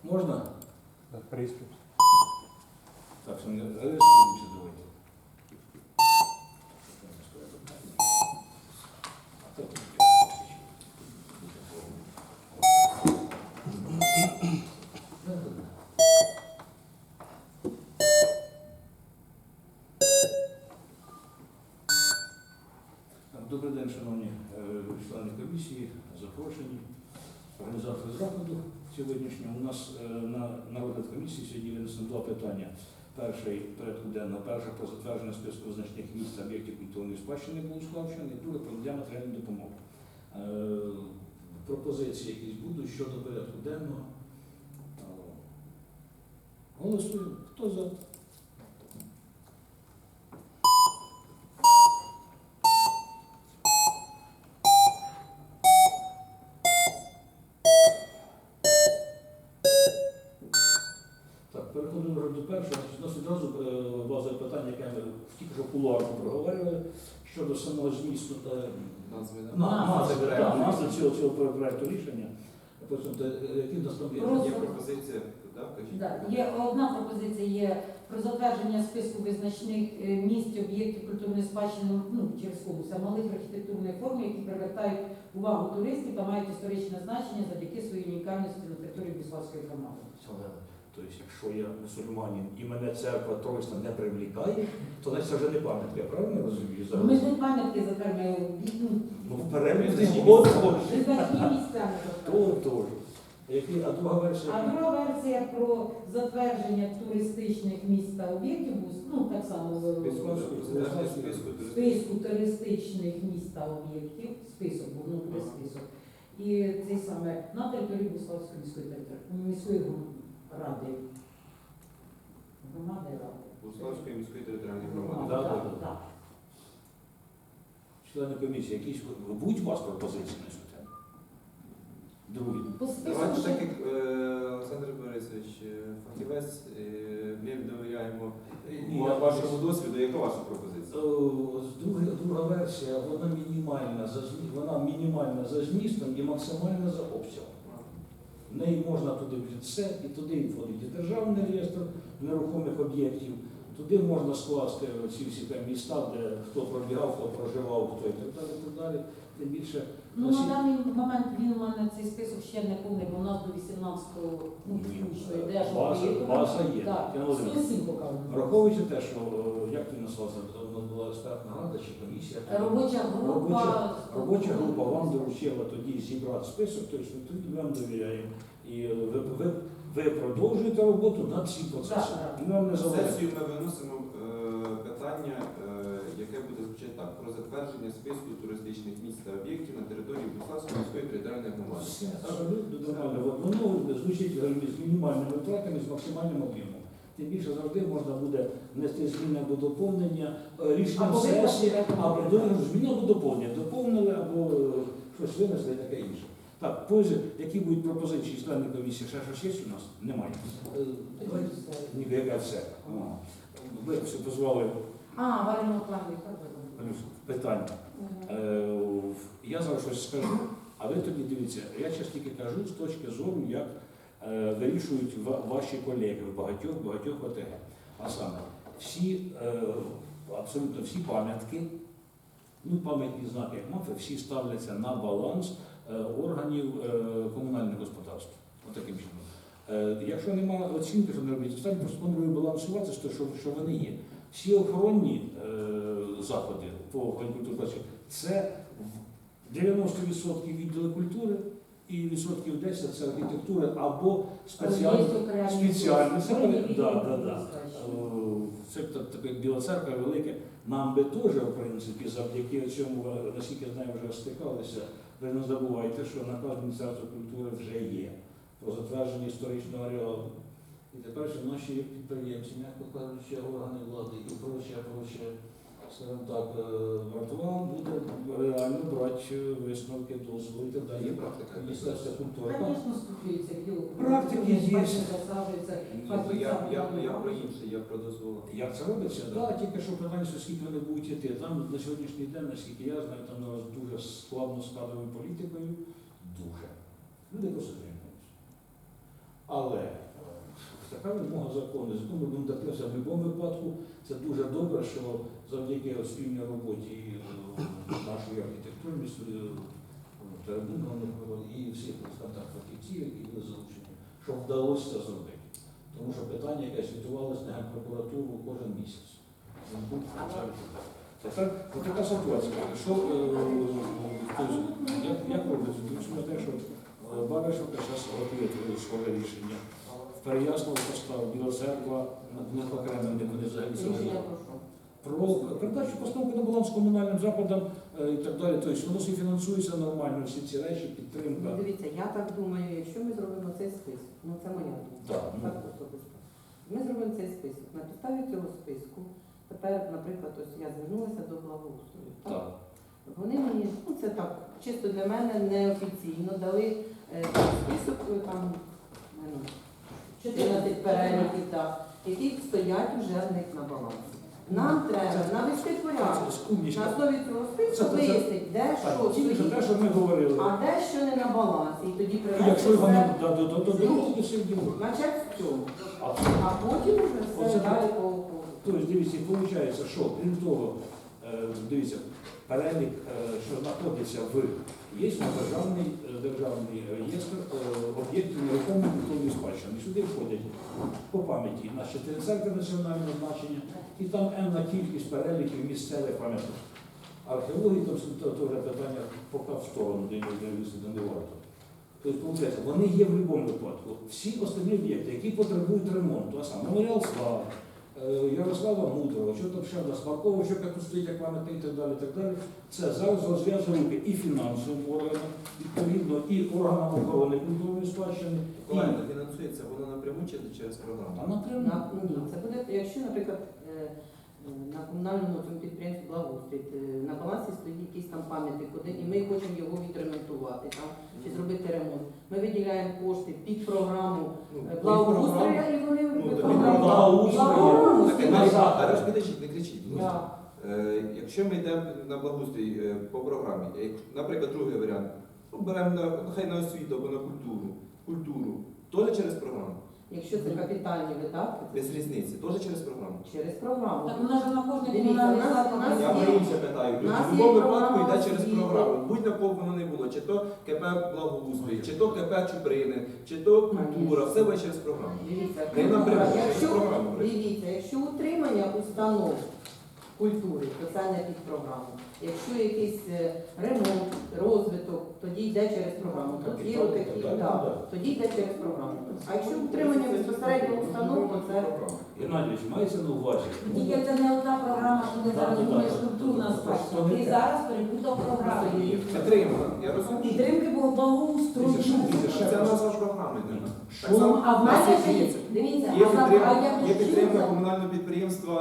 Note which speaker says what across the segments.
Speaker 1: Можна?
Speaker 2: Приступ.
Speaker 1: Так, що не реєструємося, давайте. Добрий день, шановні члени комісії, запрошені, організатори заходу сьогоднішнього. У нас на розгляд комісії сьогодні винесено два питання. Перший порядку денного, перше про затвердження списку визначених місць та об'єктів культурної спадщини Богуславщини, і друге про надання матеріальної допомоги. Пропозиції якісь будуть щодо порядку денного. Голосуємо. Хто за? Переходимо до першого. У нас відразу базове питання, яке ми тільки що кулуарно проговорювали, щодо самого змісту та назви цього проєкту рішення. Які в нас там є?
Speaker 3: Є пропозиція,
Speaker 4: так? Є одна пропозиція є про затвердження списку визначних місць об'єктів культурної спадщини через конкурс малих архітектурних форм, які привертають увагу туристів та мають історичне значення завдяки своїй унікальності на території Богуславської громади.
Speaker 1: Тобто, якщо я мусульманин і мене церква Тройсна не привлікає, то це вже не пам'ятка, я правильно розумію?
Speaker 4: Ми ж не пам'ятки затверджуємо.
Speaker 1: Ну, в перелік
Speaker 4: визначні місця.
Speaker 1: Тож. А друга версія?
Speaker 4: А друга версія про затвердження туристичних місць та об'єктів, так само списку туристичних місць та об'єктів, список, бо буде список. І цей саме на території Богуславської міської ради. Громади ради.
Speaker 3: Богуславської міської територіальної громади.
Speaker 4: Так.
Speaker 1: Члени комісії, якісь будуть у вас пропозиції на цю тему? Другі.
Speaker 3: Давайте так, як Олександр Борисович, фахівець, ми довіряємо вашому досвіду. Яка ваша пропозиція?
Speaker 1: Друга версія, вона мінімальна за змістом і максимальна за обсягом. В неї можна туди все, і туди входить і державний реєстр нерухомих об'єктів, туди можна скласти ці всі міста, де хто пробігав, хто проживав, хто і так далі. Тим більше.
Speaker 4: На даний момент він у мене цей список ще не повний, бо у нас до 18-го включно йде.
Speaker 1: База є.
Speaker 4: Так, 107 показано.
Speaker 1: Враховуючи те, що, як ти назвався, у нас була експертна рада чи комісія? Робоча група вам доручила тоді зібрати список, тобто ми вам довіряємо. І ви продовжуєте роботу над цим процесом.
Speaker 3: На сесію ми виносимо питання, яке буде звучати так: про затвердження списку туристичних місць та об'єктів на території Богуславської міської територіальної громади.
Speaker 1: Воно звучить з мінімальними втратами, з максимальним об'ємом. Тим більше завжди можна буде внести зміни або доповнення рішенням сесії, або зміни або доповнення. Доповнили або щось винесли і таке інше. Так, які будуть пропозиції членів комісії? Ще щось є у нас? Немає. Ніби яка все. Ви все позвали.
Speaker 4: Варимо плані.
Speaker 1: Питання. Я зараз щось скажу, а ви тоді дивіться, я зараз тільки кажу з точки зору, як вирішують ваші колеги в багатьох ОТГ. А саме, абсолютно всі пам'ятки, пам'ятні знаки, як мафи, всі ставляться на баланс органів комунального господарства. Отаким чином. Якщо немає оцінки, що не робити, останні просто планують балансувати з того, що вони є. Всі охоронні заходи по охороні культури це 90% відділи культури і відсотків 10% це архітектура або спеціальні. Це таке Біла Церква велике. Нам би теж, в принципі, завдяки цьому, наскільки я знаю, вже стикалися. Ви не забувайте, що наказ Міністерства культури вже є про затвердження історичного ареалу. І тепер що наші підприємці, м'яко кажучи, органи влади і проче, скажімо так, вартова буде реально брати висновки, дозволи і так далі.
Speaker 3: Є практика
Speaker 1: Міністерства культури.
Speaker 4: Звісно, стосується
Speaker 1: Практики є.
Speaker 3: Я про інше, я про дозволи.
Speaker 1: Як це робиться? Так, тільки що питання, скільки вони будуть йти. Там на сьогоднішній день, наскільки я знаю, там дуже складно з кадровою політикою. Дуже. Люди просто тримаються. Але Така вимога закону. Закон ми будемо дотримуватися в будь-якому випадку. Це дуже добре, що завдяки спільній роботі нашої архітектурної Теребунка і всіх фахівців, які були залучені, що вдалося це зробити. Тому що питання, яке світувалося на Генпрокуратуру кожен місяць. Тепер така ситуація. Що, як робиться? Тому те, що Баришівка зараз готує своє рішення. В Переяслав поставив, Біла Церква, не окремим, де вони взагалі
Speaker 2: Рішення
Speaker 1: про передачу постановки на баланс комунальним закладам і так далі. Тобто воно всі фінансується нормально, всі ці речі, підтримка.
Speaker 2: Ну, дивіться, я так думаю, якщо ми зробимо цей список, ну це моя думка,
Speaker 1: Так, ну.
Speaker 2: так особисто. Ми зробимо цей список. На підставі цього списку, тепер, наприклад, ось я звернулася до благоустрою.
Speaker 1: Так.
Speaker 2: Вони мені, ну це так, чисто для мене неофіційно дали список, там, ну, 14 переліків, так, які стоять вже в них на балансі. Нам треба навести порядок. На основі цього списку вияснити, де що
Speaker 1: Тільки що те,
Speaker 2: стоїть,
Speaker 1: що ми говорили.
Speaker 2: а де що не на балансі. І тоді
Speaker 1: І
Speaker 2: привести
Speaker 1: якщо його не
Speaker 2: все
Speaker 1: до другого, то все діло.
Speaker 2: начать з цього.
Speaker 1: А
Speaker 2: А потім вже все
Speaker 1: Оце
Speaker 2: далі по
Speaker 1: тобто, дивіться, виходить, що крім того, дивіться, перелік, що знаходиться в є державний реєстр об'єктів нерухомої культурної спадщини. І сюди входять по пам'яті наші 4 церкви національного значення, і там енна кількість переліків місцевих пам'яток. Археології, там то вже питання поки в сторону, де не варто. Тобто, виходить, вони є в будь-якому випадку. Всі останні об'єкти, які потребують ремонту, а саме Меморіал Слави, Ярослава Мудрого, що там ще в нас Маркова, що тут стоїть як пам'ятник і так далі, це зараз розв'язує руки і фінансовим органам, відповідно, і органам охорони культурної спадщини.
Speaker 3: Правильно, фінансується воно напряму чи через програму?
Speaker 1: А напряму.
Speaker 2: Ні, це буде, якщо, наприклад, на комунальному цьому підприємстві благоустрій, на балансі стоїть якийсь там пам'ятник, і ми хочемо його відремонтувати там, чи зробити ремонт. Ми виділяємо кошти під програму благоустрою, і вони під програму
Speaker 1: благоустрою.
Speaker 3: Зараз підійдіть, не кричіть. будь ласка. Якщо ми йдемо на благоустрій по програмі, наприклад, другий варіант, беремо нехай на освіту або на культуру, теж через програму.
Speaker 2: Якщо це капітальні видатки,
Speaker 3: Без різниці, теж через програму.
Speaker 2: через програму.
Speaker 4: Так вона ж на кожній
Speaker 2: Дивіться,
Speaker 4: комунальній
Speaker 2: у нас
Speaker 4: закладі.
Speaker 3: Я
Speaker 2: є-
Speaker 3: про інше питаю.
Speaker 2: у нас
Speaker 3: В будь-якому
Speaker 2: є
Speaker 3: випадку
Speaker 2: програма
Speaker 3: йде через
Speaker 2: освіти.
Speaker 3: програму. Будь на кого воно не було, чи то КП Благоустрій, чи то КП Чуприни, чи то культура, все буде через програму.
Speaker 2: Дивіться,
Speaker 3: Не напряму, через
Speaker 2: якщо,
Speaker 3: програму.
Speaker 2: дивіться, якщо утримання установ культури, то це не під програму. Якщо якийсь ремонт, розвиток, тоді йде через програму. Тут є отакі, тоді йде через програму. А якщо утримання безпосередньо установ, то це
Speaker 1: Геннадійович, мається на увазі.
Speaker 4: Тільки це не одна програма, що ти зараз думаєш культурна спадщина. Ти зараз перепутав програму.
Speaker 3: Підтримка, я розумію.
Speaker 4: Підтримки було благоустрою.
Speaker 3: Це назва програми. Так
Speaker 1: Що?
Speaker 3: само
Speaker 4: А в
Speaker 3: нас
Speaker 4: мене
Speaker 3: є
Speaker 4: є,
Speaker 3: дивіться.
Speaker 4: дивіться,
Speaker 3: Є
Speaker 4: а я
Speaker 3: підтримка
Speaker 4: чула.
Speaker 3: комунального підприємства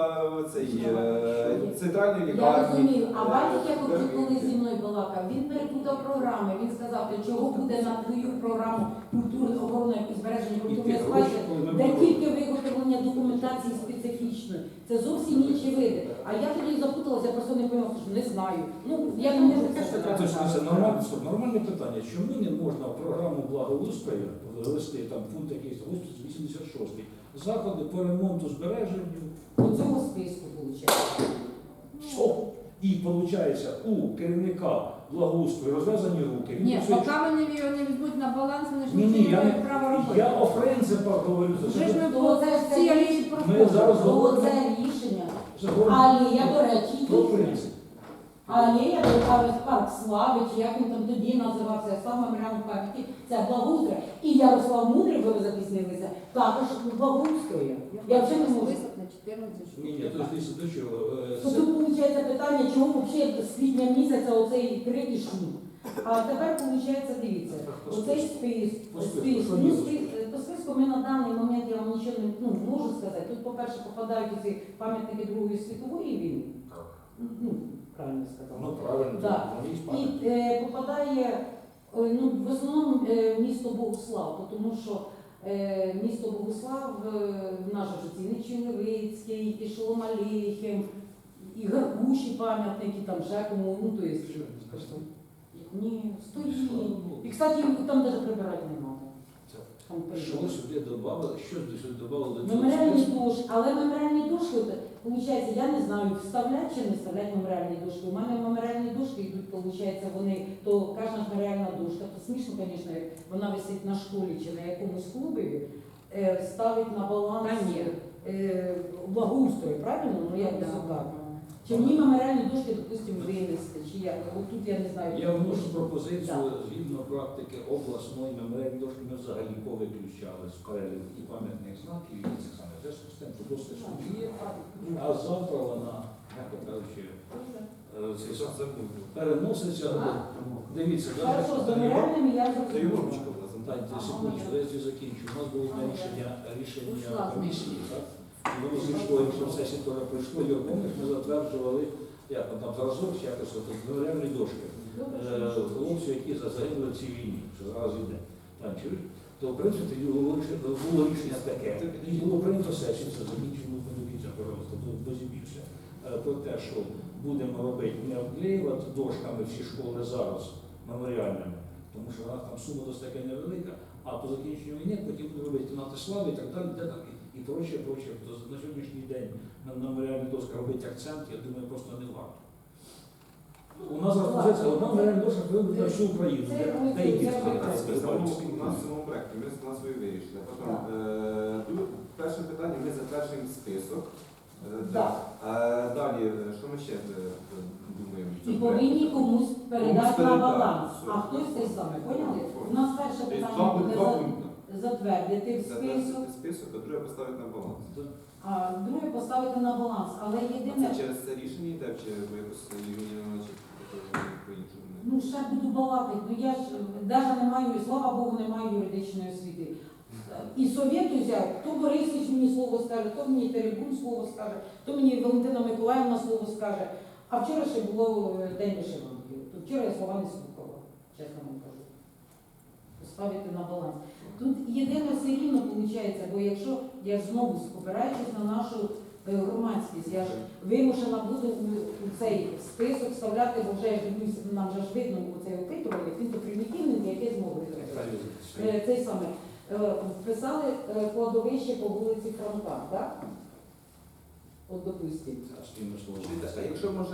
Speaker 3: центральної
Speaker 4: Я
Speaker 3: лікарні.
Speaker 4: розумію, а бачите, як от коли зі мною балакав, він перепутав програми, він сказав, для чого буде на твою програму культури, охорони і збереження
Speaker 1: І
Speaker 4: культурної
Speaker 1: ті
Speaker 4: спадщини,
Speaker 1: гроші, коли ми
Speaker 4: де
Speaker 1: будемо-
Speaker 4: тільки виготовлення документації специфічної. Це зовсім інші види. А я тоді запуталася, я просто не поняла, що не знаю. Ну, я не можу це що
Speaker 1: Тобто це нормальне питання. Чому не можна в програму благоустрою ввести там пункт якийсь 86 заходи по ремонту збереженню?
Speaker 4: До цього списку виходить.
Speaker 1: Що? І виходить у керівника благоустрою розв'язані руки. Він
Speaker 5: Ні,
Speaker 1: все-
Speaker 5: поки вони його не візьмуть на баланс, вони ж
Speaker 1: Ні,
Speaker 5: нічого
Speaker 1: ні,
Speaker 5: не мають права робити.
Speaker 1: я о принципах говорю.
Speaker 5: Вже ж ми
Speaker 4: То це ж
Speaker 5: всі
Speaker 4: це
Speaker 5: рішення
Speaker 4: рішення.
Speaker 1: Ми зараз
Speaker 4: То
Speaker 1: говоримо
Speaker 4: це рішення.
Speaker 1: говоримо
Speaker 4: Алія, до речі,
Speaker 1: про
Speaker 4: тут.
Speaker 1: принцип.
Speaker 4: Алія, Парк Слави, чи як він там тоді називався, став меморіалом пам'яті, це благоустрій. І Ярослав Мудрий, ви запізнилися, також благоустрою. Я вже не можу.
Speaker 5: Список на 14 штук.
Speaker 1: Ні, то ж до чого?
Speaker 4: То тут виходить питання, чому взагалі з квітня місяця оцей крик і шум. А тепер виходить, дивіться, оцей
Speaker 1: По списку,
Speaker 4: список.
Speaker 1: що
Speaker 4: Ну,
Speaker 1: є?
Speaker 4: по списку ми на даний момент, я вам нічого не можу сказати. Тут, по-перше, попадають ці пам'ятники Другої світової війни. Ну, правильно сказала.
Speaker 1: Ну правильно,
Speaker 4: Так.
Speaker 1: вони ж
Speaker 4: І
Speaker 1: пам'ятають.
Speaker 4: попадає ну, в основному місто Богуслав, тому що місто Богуслав, наш же Ціничий Левицький, і Шоломаліхим, і Гаркуші пам'ятники, там ще кому, ну то є. Ні, стоїть. І, кстати, там навіть прибирати не треба. там
Speaker 1: Що
Speaker 4: прийняли.
Speaker 1: сюди додали, що сюди додали до цього
Speaker 4: Меморіальні
Speaker 1: списку?
Speaker 4: дошки, але меморіальні дошки, виходить, я не знаю, вставлять чи не вставлять меморіальні дошки. У мене меморіальні дошки йдуть, виходить, вони, то кожна ж меморіальна дошка, то смішно, звісно, як вона висить на школі чи на якомусь клубі, ставить на баланс
Speaker 5: Та ні.
Speaker 4: благоустрою, правильно? Ну, я не знаю. Чи мені меморіальні дошки, допустимо, винести, чи як? От тут я не знаю.
Speaker 1: Я вношу пропозицію,
Speaker 4: Так.
Speaker 1: згідно практики обласної меморіальні дошки, ми взагалі повиключали з переліку і пам'ятних знаків, і цих самих зв'язку з тим, що досить є, а завтра вона, як кажучи, цей сам переноситься. Дивіться,
Speaker 4: Хорошо, з
Speaker 1: да,
Speaker 4: меморіальними я
Speaker 3: Це
Speaker 4: зрозуміла.
Speaker 3: Юрочка була.
Speaker 1: Дайте секундочку, я закінчу. У нас було одне рішення
Speaker 5: Ушла.
Speaker 1: комісії, так? І воно зійшло, і в процесі теж пройшло. Юр, помниш, ми затверджували, як там зразок, чи якось от, меморіальні дошки. Хлопці, які загинули в цій війні, що зараз йде. Там, чуєш? То, в принципі, було рішення таке. І було прийнято сесію, це закінчено, подивіться, пожалуйста, дозі більше. Про те, що будемо робити, не обклеювати дошками всі школи зараз меморіальними, тому що вона там сума досить таки невелика, а по закінченню війни потім будемо робити кімнати слави і так далі, і проче. То на сьогоднішній день на меморіальні доски робити акцент, я думаю, просто не варто. У нас розпозиція, одна меморіальна дошка вибрана всю Україну, деякі
Speaker 3: У нас в цьому проєкті ми з назвою вирішили. Потім, перше питання, ми затверджуємо список.
Speaker 4: Так.
Speaker 3: Далі, що ми ще думаємо? в
Speaker 4: І
Speaker 3: цьому
Speaker 4: повинні
Speaker 3: проєкті?
Speaker 4: комусь передати на
Speaker 3: передати,
Speaker 4: баланс.
Speaker 3: все.
Speaker 4: А хтось те саме, поняли? У нас перше
Speaker 3: Тобто
Speaker 4: питання буде
Speaker 3: два пункти.
Speaker 4: затвердити в список,
Speaker 3: Затвердити список, а друге поставити на баланс.
Speaker 4: а друге поставити на баланс. Але
Speaker 3: А
Speaker 4: єдине,
Speaker 3: це через це рішення йде, чи ви якось Юрій по-іншому?
Speaker 4: ну ще буду балакати, ну я ж навіть не маю, і слава Богу, не маю юридичної освіти. І совєту взяв, то Борисович мені слово скаже, то мені Теребун слово скаже, то мені Валентина Миколаївна слово скаже. А вчора ще було день вишиванки. То вчора я слова не слухала, чесно вам кажу. Поставити на баланс. Тут єдине все рівно виходить, бо якщо я знову спопираючись на нашу громадськість, я ж вимушена буду у цей список вставляти, бо вже я дивлюся, нам вже ж видно цей опитувальник, він то примітивний, яке змогли зробити. Цей саме. Вписали кладовище по вулиці Франка, так? От допустимо.
Speaker 3: А якщо може,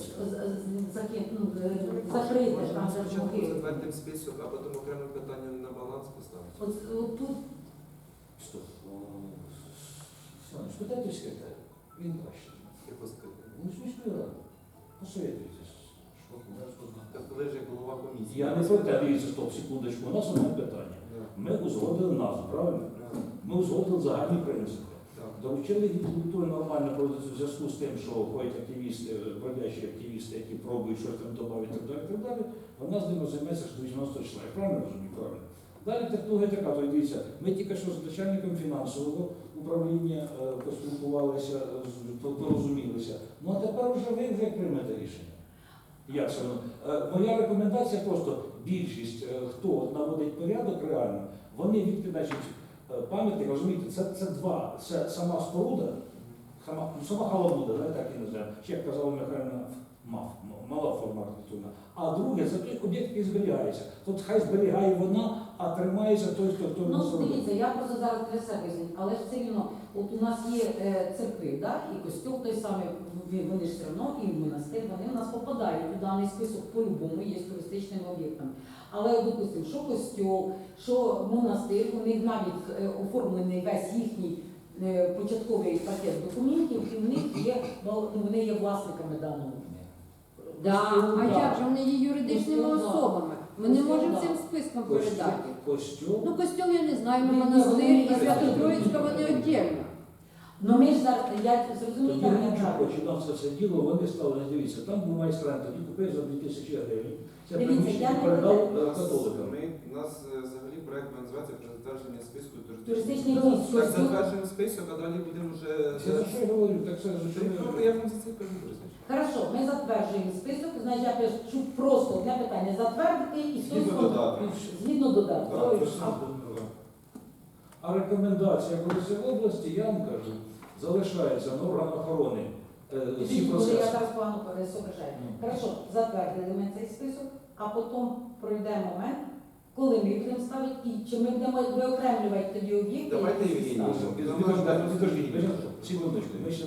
Speaker 4: Закрити там за
Speaker 3: спочатку
Speaker 4: могили.
Speaker 3: затвердимо список, а потім окреме питання на баланс поставити?
Speaker 4: От тут
Speaker 1: Стоп. Саныч, спитайте секретаря. Він краще.
Speaker 3: Якось сказати.
Speaker 1: Ну, з міської ради. Посоветуйтесь.
Speaker 3: Так коли ж як голова комісії.
Speaker 1: Я не про те, дивіться, стоп, секундочку. У нас одне питання.
Speaker 3: Да.
Speaker 1: Ми узгодили назву, правильно?
Speaker 3: Да.
Speaker 1: Ми узгодили загальні принципи.
Speaker 3: Так.
Speaker 1: Доручили культури нормально проводити в зв'язку з тим, що ходять активісти, бродячі активісти, які пробують щось там додати і так далі, так далі. А в нас ними займається до 90 числа. Я правильно розумію? Правильно. Далі технологія така, то дивіться, ми тільки що з начальником фінансового управління поспілкувалися, порозумілися. Ну а тепер вже ви вже приймете рішення. Як це воно? Моя рекомендація просто більшість, хто наводить порядок реально, вони відкидають пам'ятник, розумієте, це два. Це сама споруда, сама халабуда, так і називаємо. Ще як казала Михайлівна, мала форма архітектурна. А друге, це той об'єкт, який зберігається. Тут хай зберігає вона, а тримається той, хто
Speaker 4: ну
Speaker 1: його зробив.
Speaker 4: дивіться, я просто зараз для себе візьму, але ж все рівно, от у нас є церкви, да? І костюм той самий, вони ж все одно, і монастир, вони у нас попадають у даний список по-любому, є туристичним об'єктом. Але, допустимо, що костюм, що монастир, у них навіть оформлений весь їхній початковий пакет документів, і в них є, вони є власниками даного.
Speaker 5: Да, а
Speaker 4: Да.
Speaker 5: як же вони є юридичними
Speaker 4: Костюм, да.
Speaker 5: особами? Ми не
Speaker 4: Костюм,
Speaker 5: можемо
Speaker 4: да.
Speaker 5: цим списком передати.
Speaker 1: Костюм.
Speaker 5: Ну, костюм я не знаю, ну
Speaker 4: Ні,
Speaker 5: монастир
Speaker 4: ні,
Speaker 5: і
Speaker 4: ні,
Speaker 5: Свято-Троїцька вони віддільно.
Speaker 4: Ну ми ж зараз, я зрозумію,
Speaker 1: Тоді
Speaker 4: як я
Speaker 1: Римчук
Speaker 4: правильно.
Speaker 1: починав це все діло, вони стали, дивіться, там був майстрант, тоді купив за 2000 гривень. Це
Speaker 4: Дивіться,
Speaker 1: приміщення
Speaker 4: я не
Speaker 1: передав
Speaker 4: проти.
Speaker 1: католикам.
Speaker 3: У нас взагалі проєкт називається про затвердження списку
Speaker 4: Туристичний
Speaker 3: туристичних.
Speaker 4: місць,
Speaker 3: Так,
Speaker 4: костюм.
Speaker 3: затверджуємо список, а далі будемо вже...
Speaker 1: Це за що я говорю, так це за що
Speaker 3: Ну,
Speaker 1: я
Speaker 3: я вам за це кажу, Борисович.
Speaker 4: Хорошо, ми затверджуємо список, значить я пишу просто одне питання затвердити і хтось
Speaker 3: Згідно додатку.
Speaker 4: згідно додатку.
Speaker 3: Так,
Speaker 4: Ой,
Speaker 3: точно.
Speaker 1: А рекомендація Борисів області, я вам кажу, залишається на орган охорони всі
Speaker 4: Може, я
Speaker 1: процеси.
Speaker 4: зараз погано соображаю. Хорошо, затвердили ми цей список, а потім пройде момент, Коли ми будемо ставити і чи ми будемо виокремлювати тоді об'єкти?
Speaker 3: Давайте,
Speaker 4: які
Speaker 3: Євгеній,
Speaker 4: ставимо?
Speaker 1: Підождіть, секундочку, ми ще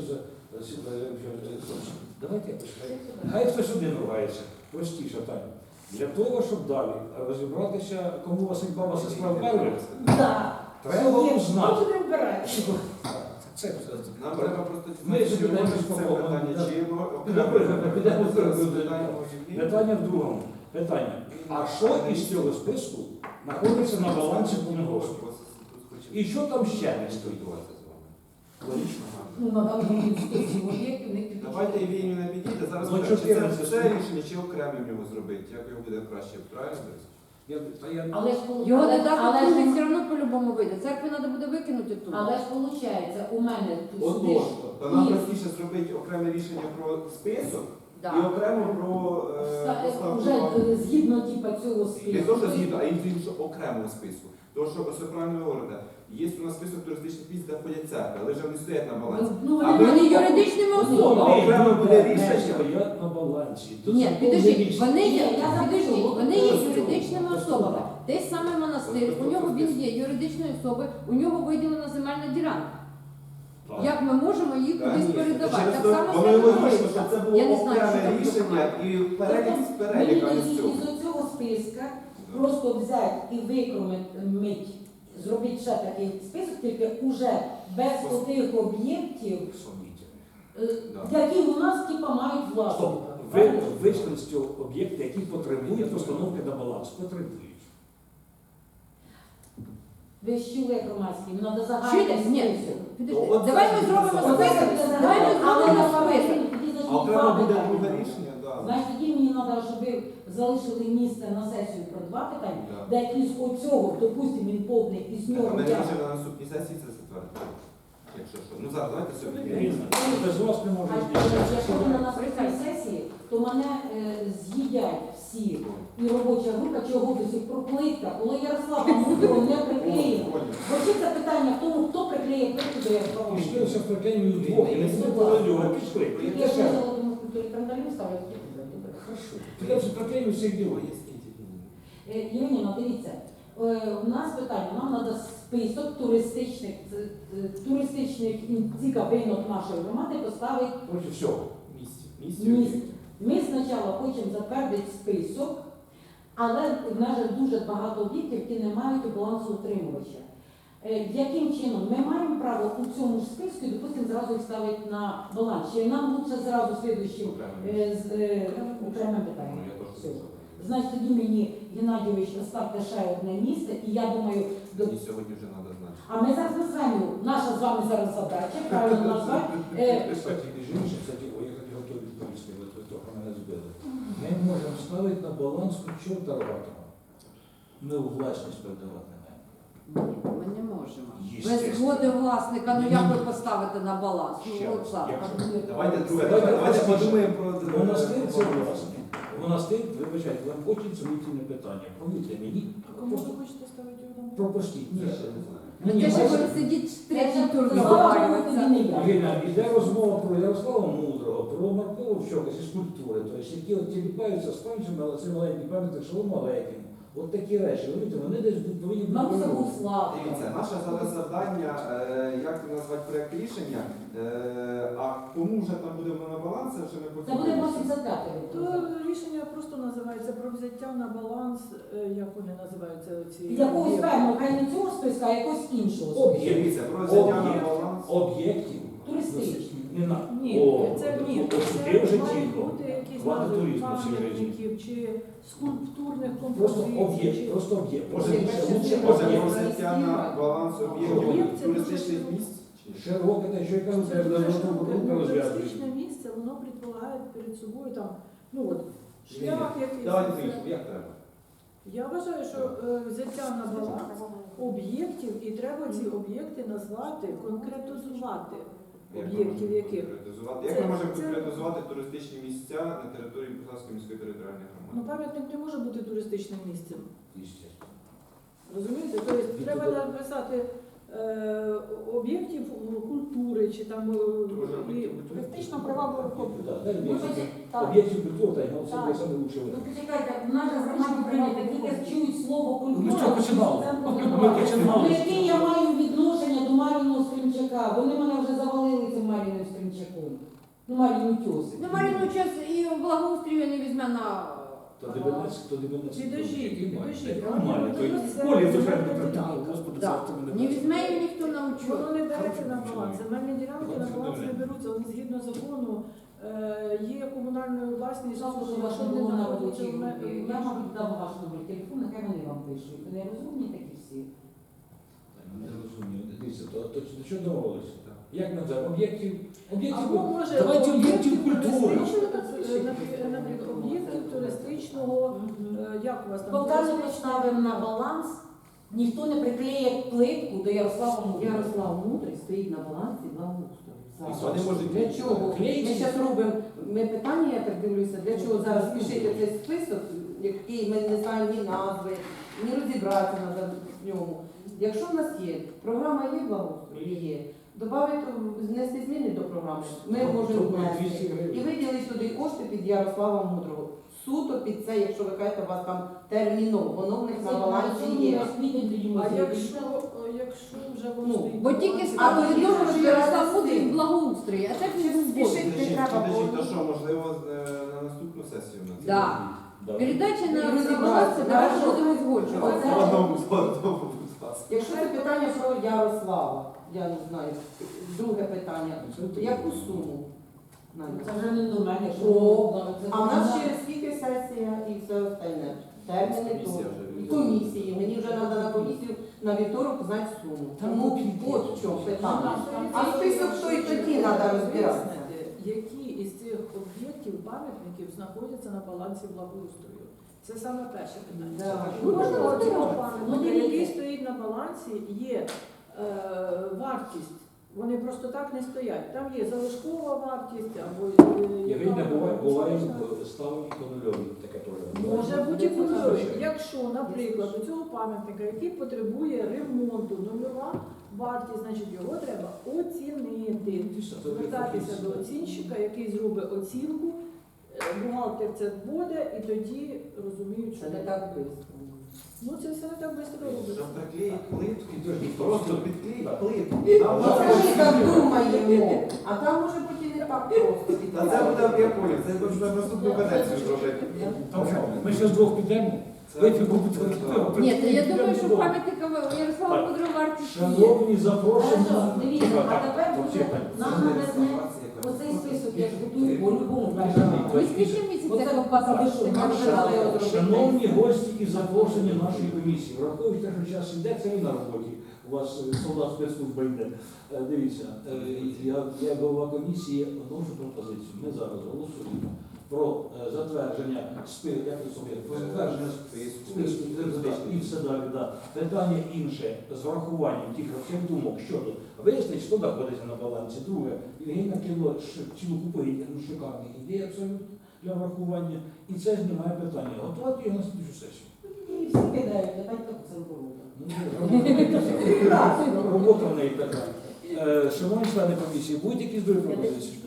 Speaker 1: давайте якось, хай хтось один ругається, простіше так. Для того, щоб далі розібратися, кому Василь баба сестра вперли,
Speaker 4: Так.
Speaker 1: треба
Speaker 4: Є,
Speaker 1: узнати.
Speaker 4: що будемо брати?
Speaker 1: Це
Speaker 3: Нам треба просто
Speaker 1: Ми
Speaker 3: дізнатися,
Speaker 1: ж підемо
Speaker 3: це
Speaker 1: по
Speaker 3: питання,
Speaker 1: повному.
Speaker 3: чи воно
Speaker 1: Підемо
Speaker 3: зараз
Speaker 1: в
Speaker 3: питання.
Speaker 1: Питання в другому. Питання. А що із цього списку знаходиться на балансі комунгоспу? І що там ще не стоїть? Логічно.
Speaker 4: Ну, надо мені список об'єктів, не підійшли.
Speaker 3: Давайте Євгенію не підійде, зараз
Speaker 1: Ну,
Speaker 3: скажемо, чи
Speaker 1: 14
Speaker 3: це рішення, чи окремо в нього зробити, як його буде краще, правильно?
Speaker 4: Але ж
Speaker 5: Його
Speaker 4: але-
Speaker 5: додаток
Speaker 4: але ж-
Speaker 5: другий все одно по-любому вийде. Церкві треба буде викинути тут.
Speaker 4: Але ж виходить, у мене тут
Speaker 3: Отож,
Speaker 4: сидиш
Speaker 3: то нам
Speaker 4: і
Speaker 3: простіше зробити окреме рішення про список і
Speaker 5: Да.
Speaker 3: окремо про поставку.
Speaker 4: вже згідно типа цього
Speaker 3: Не
Speaker 4: списку.
Speaker 3: то, що згідно, а й іншого окремого списку. Тому що, ось ви правильно говорите, є у нас список туристичних місць, де входять церкви, але вже вони стоять на балансі.
Speaker 4: Ну,
Speaker 3: А
Speaker 5: Вони юридичними особами.
Speaker 3: окремо буде рішення.
Speaker 1: Стоять на балансі. То
Speaker 5: Ні,
Speaker 1: це
Speaker 5: підождіть,
Speaker 1: повне
Speaker 5: вони є,
Speaker 4: Ні, я
Speaker 5: підождіть,
Speaker 4: запишу.
Speaker 5: вони є
Speaker 1: Просто.
Speaker 5: юридичними
Speaker 1: Просто.
Speaker 5: особами. Той самий монастир, у нього він є юридичною особою, у нього виділена земельна ділянка.
Speaker 1: Так.
Speaker 5: Як ми можемо їх кудись передавати? Так само
Speaker 3: Воно і логічно,
Speaker 5: Свято-Троїцька.
Speaker 3: щоб це
Speaker 5: Я
Speaker 3: було
Speaker 5: не знаю, що
Speaker 3: окреме
Speaker 5: там
Speaker 3: рішення і перелік з
Speaker 4: Тобто
Speaker 3: переліка
Speaker 4: мені
Speaker 3: з
Speaker 4: тоді
Speaker 3: цього.
Speaker 4: із цього списка просто взяти і викромити, зробити ще такий список, тільки уже без тих об'єктів,
Speaker 1: Сумнітельно.
Speaker 3: Да.
Speaker 4: які у нас типа мають власника.
Speaker 1: Ви вийшли з цього об'єкта, який потребує постановки на баланс. Потребують.
Speaker 4: Ви ж чули громадські, треба
Speaker 5: Чуєте?
Speaker 4: загальний
Speaker 5: Ні,
Speaker 4: список.
Speaker 5: підожди.
Speaker 3: От
Speaker 5: Давай
Speaker 3: це
Speaker 5: ми
Speaker 3: буде
Speaker 5: зробимо
Speaker 3: загальний.
Speaker 5: список. Давай ми зробимо список.
Speaker 3: А окремо буде друге рішення, так.
Speaker 4: Значить, тоді мені треба, щоб ви залишили місце на сесію про два питання,
Speaker 3: Да.
Speaker 4: де із оцього, допустимо, він повний, із
Speaker 3: А
Speaker 4: нього
Speaker 3: ми
Speaker 4: я.
Speaker 3: можемо на наступній сесії це затвердити. Якщо що. Ну зараз давайте сьогодні.
Speaker 1: Різно. Без вас не
Speaker 4: А
Speaker 1: можна
Speaker 4: якщо ви на
Speaker 1: здійснити.
Speaker 4: наступній сесії, то мене з'їдять всі. І робоча група, чого до сих пор плитка, коли Ярослава Мудрого не приклеїла. Бо чи це питання в тому, хто приклеїв плитку до Ярослава
Speaker 1: Пішли
Speaker 4: Мудрого.
Speaker 1: все в прикинь вдвох, і не співпадали, пішли.
Speaker 4: Я ж хотіла думаю, культурі кандалів ставлять.
Speaker 1: Хорошо. Ти все прикинь всіх діло.
Speaker 4: Євгеніна, дивіться, у нас питання, нам треба список туристичних цікавинок нашої громади поставити
Speaker 1: Проти всього.
Speaker 4: місць. Ми спочатку хочемо затвердити список, але в нас же дуже багато об'єктів, які не мають балансоутримувача. Яким чином ми маємо право у цьому ж списку, допустимо, зразу їх ставити на баланс? Чи нам лучше зразу слідуючим окремим питанням? Все. Значить, тоді мені, Геннадійович, ставте ще одне місце, і я думаю,
Speaker 3: Мені сьогодні вже треба знати.
Speaker 4: а ми зараз назвемо, наша з вами зараз задача, правильно назвати.
Speaker 1: Кстати, між іншим, кстати, я хотів відповісти, ви трохи мене збили. Ми можемо ставити на баланс чорта рватого. Ми у власність передавати не маємо.
Speaker 5: Ні, ми не можемо. Без
Speaker 1: Єстественно.
Speaker 5: згоди власника, ну як ви поставите на баланс?
Speaker 1: Ще
Speaker 5: Ну,
Speaker 1: раз,
Speaker 5: Олександр.
Speaker 1: якщо-
Speaker 3: Давайте друге.
Speaker 1: Давайте
Speaker 3: Давайте
Speaker 1: простіше.
Speaker 3: подумаємо про
Speaker 1: Монастир це власне. Монастир, вибачайте, вам очень сумнітельне питання. Повірте мені, просто
Speaker 6: хочете ставити його там?
Speaker 1: пропустіть. Ні,
Speaker 3: Я ще не знаю.
Speaker 5: Ну,
Speaker 1: Ні,
Speaker 5: те, що
Speaker 1: майже-
Speaker 5: ви сидіть в третій тур
Speaker 4: Слава Богу,
Speaker 5: договарюватися.
Speaker 4: тоді не я.
Speaker 1: Ірина, іде розмова про Ярослава Мудрого, про Маркова Вщока зі скульптури, тобто, які от тіліпаються з панчами, але це маленький пам'ятник Шалому Алекіну. От такі речі, розумієте, вони десь повинні бути.
Speaker 4: Нам це
Speaker 1: природні.
Speaker 4: був слава.
Speaker 3: Дивіться, наше зараз завдання, як назвати проєкт рішення, а кому вже там буде воно на баланс, це вже ми потім.
Speaker 4: Це буде 85
Speaker 6: То рішення просто називається про взяття на баланс, як вони називаються ці
Speaker 4: Якогось певного, хай не цього списка, а якогось іншого списку.
Speaker 3: Дивіться, про взяття на
Speaker 1: Об'єкт.
Speaker 3: баланс.
Speaker 1: Об'єктів.
Speaker 4: Туристичні.
Speaker 1: Не на.
Speaker 6: Ні,
Speaker 1: О,
Speaker 6: це ні,
Speaker 1: от
Speaker 6: це
Speaker 1: ти вже
Speaker 6: мають
Speaker 1: чітко.
Speaker 6: бути якісь
Speaker 1: Хватить
Speaker 6: назви
Speaker 1: туризму в цій країні.
Speaker 6: пам'ятників чи скульптурних
Speaker 1: Просто
Speaker 6: композицій.
Speaker 1: об'єкт,
Speaker 6: чи-
Speaker 1: просто об'єкт.
Speaker 3: Може,
Speaker 1: Лучше
Speaker 3: може
Speaker 1: об'єкт.
Speaker 3: про взяття на баланс об'єктів
Speaker 6: Об'єкт це
Speaker 3: туристичних
Speaker 6: дуже
Speaker 3: місць?
Speaker 1: Широке, те, що я кажу,
Speaker 6: Це
Speaker 1: це
Speaker 6: дуже
Speaker 1: рука
Speaker 6: широке. Ну,
Speaker 1: розв'язує.
Speaker 6: туристичне місце, воно предполагає перед собою там, ну от, шлях якийсь.
Speaker 3: Давайте вирішимо, як треба.
Speaker 6: Я вважаю, що взяття на баланс об'єктів, і треба ці об'єкти назвати, конкретизувати. Об'єктів яких?
Speaker 3: Конкретизувати. Як
Speaker 6: Це-
Speaker 3: ми можемо
Speaker 6: це-
Speaker 3: конкретизувати туристичні місця на території Бухарської міської територіальної
Speaker 6: Ну,
Speaker 3: громади?
Speaker 6: пам'ятник не може бути туристичним місцем.
Speaker 1: Естественно.
Speaker 6: Розумієте? Тобто треба написати об'єктів культури, чи там і
Speaker 4: Туристично привабливий комплекс.
Speaker 1: Да, дай
Speaker 4: Ну,
Speaker 1: об'єктів.
Speaker 4: так.
Speaker 1: Об'єктів культури, та й ну,
Speaker 4: Так.
Speaker 1: це саме лучше.
Speaker 4: Ну, почекайте, в нас же громаді прийнято, тільки чують слово культура.
Speaker 1: Ми з чого починали?
Speaker 4: це
Speaker 1: Ми
Speaker 4: подобається.
Speaker 1: починали.
Speaker 4: Ну, яке я маю відношення до Мар'їного Скринчака? Вони мене вже завалили цим Мар'їним Скринчаком. Ну, Мар'їну тьосик.
Speaker 5: Ну, Маріну час і благоустрою не візьме на...
Speaker 1: То дивинець, то дивинець.
Speaker 6: Підождіть.
Speaker 1: Нормально. То й
Speaker 6: Це
Speaker 1: полі
Speaker 6: земельна
Speaker 1: дуже
Speaker 6: ділянка.
Speaker 1: притягли. Господи,
Speaker 5: Да.
Speaker 1: завтра мене.
Speaker 5: Не візьме її ніхто на учет.
Speaker 6: Воно не береться на баланс. Земельні ділянки на баланс не беруться. Вони згідно закону є комунальною власністю.
Speaker 4: Жалко, що
Speaker 6: якщо
Speaker 4: ваша
Speaker 6: не
Speaker 4: було на
Speaker 6: знаходяться
Speaker 4: робочій
Speaker 6: в ме-
Speaker 4: групі. Я, мабуть, дам ваш номер телефону, нехай вони вам пишуть. Вони розумні такі всі.
Speaker 1: Не розумію. Дивіться, то до чого домовилися? Як ми зараз? Об'єктів?
Speaker 6: Або може
Speaker 1: Давайте об'єктів культури.
Speaker 6: наприклад, об'єктів туристичного, як у вас там?
Speaker 4: Полтаву поставимо на баланс, ніхто не приклеє плитку до Ярослава Мудрого.
Speaker 2: Ярослав Мудрий стоїть на балансі благоустрою.
Speaker 3: І вони можуть
Speaker 2: Для чого? Ми
Speaker 1: Клеїть?
Speaker 2: зараз робимо питання, я так дивлюся, для чого зараз пишете цей список, який ми не знаємо ні назви, ні розібратися треба в ньому. Якщо в нас є, програма є благоустрою? Є. Добавити, внести зміни до програми, ми можемо внести. І виділити туди кошти під Ярослава Мудрого. Суто під це, якщо ви кажете, у вас там терміново, воно в них на балансі є.
Speaker 6: А якщо вже воно
Speaker 2: Ну,
Speaker 6: стоїть
Speaker 5: Бо
Speaker 6: на
Speaker 5: тільки
Speaker 6: балансі,
Speaker 2: А
Speaker 5: стало
Speaker 2: ви
Speaker 5: відомо,
Speaker 2: думаєте,
Speaker 5: що Ярослав
Speaker 2: що
Speaker 5: Мудрий
Speaker 2: це
Speaker 5: в благоустрої, а так він був
Speaker 2: Спішить.
Speaker 5: Божий.
Speaker 2: Не треба
Speaker 3: Підождіть,
Speaker 2: було.
Speaker 3: то що, можливо, на наступну сесію на це?
Speaker 5: Да. Передача на
Speaker 2: І розібратися,
Speaker 5: баланс, давайте
Speaker 2: да,
Speaker 5: будемо
Speaker 2: що-
Speaker 5: згоджувати.
Speaker 2: Оце-
Speaker 3: По одному, будь ласка.
Speaker 2: Якщо це питання про Ярослава, я не знаю. Друге питання. Яку суму? Надя?
Speaker 4: Це вже не до мене, що
Speaker 2: О,
Speaker 4: це
Speaker 2: А в нас
Speaker 4: до
Speaker 2: через скільки сесія і все остальне? Терміни то.
Speaker 3: Комісія вже
Speaker 2: І комісії. Мені вже треба на комісію на вівторок знати суму. Тому от в чому питання. А список що і тоді треба розбиратися.
Speaker 6: Які із цих об'єктів, пам'ятників знаходяться на балансі благоустрою? Це саме перше питання.
Speaker 2: Да.
Speaker 6: Ну,
Speaker 5: Можна
Speaker 6: цього
Speaker 5: розбирати.
Speaker 6: пам'ятника,
Speaker 4: Ну,
Speaker 6: який стоїть на балансі, є вартість. Вони просто так не стоять. Там є залишкова вартість або
Speaker 1: Я
Speaker 6: яка
Speaker 1: видно,
Speaker 6: вона
Speaker 1: буває
Speaker 6: залишна.
Speaker 1: ставлені по нульові, таке теж.
Speaker 6: Може бути і кольорові. Якщо, наприклад, у цього пам'ятника, який потребує ремонту, нульова вартість, значить його треба оцінити. Звертатися до оцінщика, який зробить оцінку, бухгалтер це буде, і тоді розуміють, що
Speaker 2: Це не так швидко.
Speaker 6: Ну це все не так швидко робиться.
Speaker 3: Щоб приклеїть плитку,
Speaker 1: Підожди,
Speaker 3: просто підклеїть плитку.
Speaker 2: Ну, це ми так думаємо, а там може бути і не так просто.
Speaker 3: Та це буде, я понял, це вже на наступну каденцію зробити.
Speaker 1: Ми ще вдвох підемо. Вийти будуть.
Speaker 5: Ні, то я думаю, що пам'ятника Ярослава
Speaker 1: Так.
Speaker 5: Мудрого вартість є.
Speaker 1: Шановні, запрошені.
Speaker 4: Хорошо, дивіться, а
Speaker 1: Так,
Speaker 4: тепер
Speaker 1: вообще,
Speaker 4: буде
Speaker 1: так.
Speaker 4: нам навесне оцей список, я ж готую по-любому першому.
Speaker 5: Ми скільки місяців
Speaker 4: Оце
Speaker 5: як
Speaker 4: папа,
Speaker 1: Шановні гості і запрошені нашої комісії, враховуйте, що час йде, це ви на роботі. У вас солдат спецслужба йде. Дивіться, я як голова комісії вношу пропозицію. Ми зараз голосуємо про затвердження про затвердження списку і все далі. Да. Питання інше з врахуванням тих всіх думок щодо вияснить, що знаходиться на балансі. Друге, Євгенія кинула цілу купу шикарних ідей абсолютно для врахування, і це знімає питання. Готувати його на слідчу сесію.
Speaker 4: І всі кидають, я так це роблю.
Speaker 1: Робота в неї така. Шановні члени комісії, будуть якісь другі пропозиції?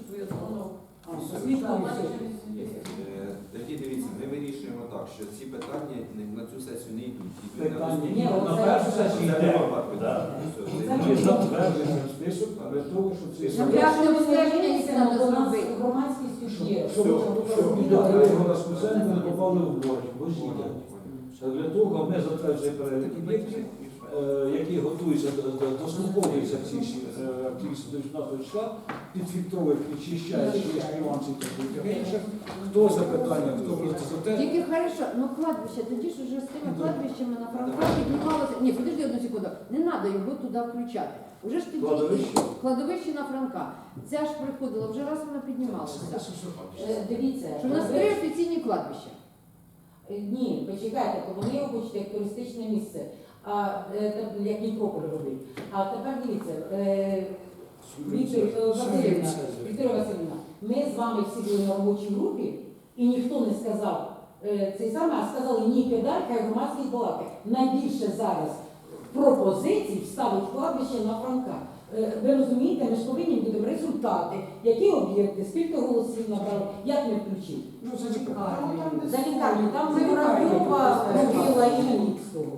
Speaker 3: Тоді дивіться, ми вирішуємо так, що ці питання на цю сесію не йдуть.
Speaker 1: Питання
Speaker 4: Ні,
Speaker 1: на
Speaker 4: оце-
Speaker 1: першу сесію йде. Да.
Speaker 4: Це
Speaker 1: Ми затверджуємо список для того, щоб це
Speaker 5: Нам пляжне обстеження їх треба зробити.
Speaker 4: Громадськість є.
Speaker 1: щоб його на спеціально не попали в борг, бо ж їде. Для того ми затверджуємо перелік об'єктів, які готуються, дослуховуються ці всі активісти до 19 числа, підфільтровують, підчищають, що є нюанси і таке інше. Хто за питання, хто просто за те.
Speaker 5: Тільки хорошо, ну кладбище, тоді ж уже з тими кладбищами на Франка піднімалося. Ні, подожди одну секунду, не треба його туди включати. Уже ж тоді кладовище на Франка. Ця ж приходила, вже раз вона піднімалася.
Speaker 4: Дивіться,
Speaker 5: Що в нас 3 офіційні кладбища.
Speaker 4: ні, почекайте, то вони його хочуть як туристичне місце, як Нікополь робить. А тепер дивіться, Вікторія Васильівна, ми з вами всі були на робочій групі, і ніхто не сказав цей саме, а сказали, ні, кидай, хай громадськість балакає. Найбільше зараз пропозицій вставити кладбище на Франка. Ви розумієте, ми ж повинні будемо результати, які об'єкти, скільки голосів набрали, як не включити.
Speaker 1: Ну, це цікаво.
Speaker 4: За лікарню, там ми Воробйова робила і Ілліцького.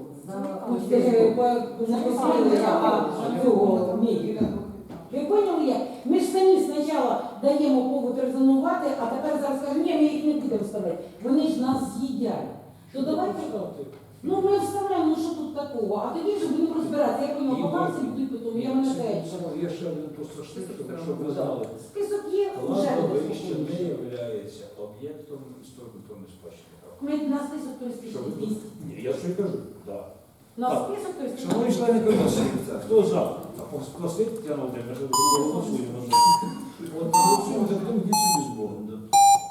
Speaker 4: Ви поняли як? Ми ж самі спочатку даємо повод резонувати, а тепер зараз кажемо, ні, ми їх не будемо вставляти. Вони ж нас з'їдять. То давайте, ну ми вставляємо, ну що тут такого? А тоді вже будемо розбиратися, як воно баланси будуть потім, я мене теж.
Speaker 1: Є ще один просто штук, щоб ви знали.
Speaker 4: Список є, вже
Speaker 1: Кладовище не є об'єктом історико-культурної спадщини.
Speaker 4: Ми на список туристичних місць.
Speaker 1: Ні, я що й кажу, так.
Speaker 4: На
Speaker 1: Так.
Speaker 4: список туристичних
Speaker 1: Шановні
Speaker 4: місць.
Speaker 1: члени комісії, хто за? Просить Тетяна Володимирівна, голосуємо. От голосуємо за тим, йдіть собі з Богом. да.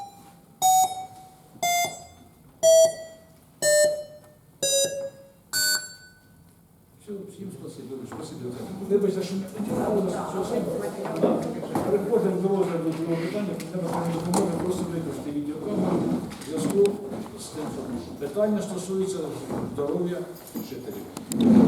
Speaker 1: Все, всім спасибі. Спасибі. Вибачте, що ми потягнули нас цього самого. Переходимо до розгляду другого питання. Треба пані допомоги просто використати відеокамеру в зв'язку з тим, що питання стосується здоров'я жителів.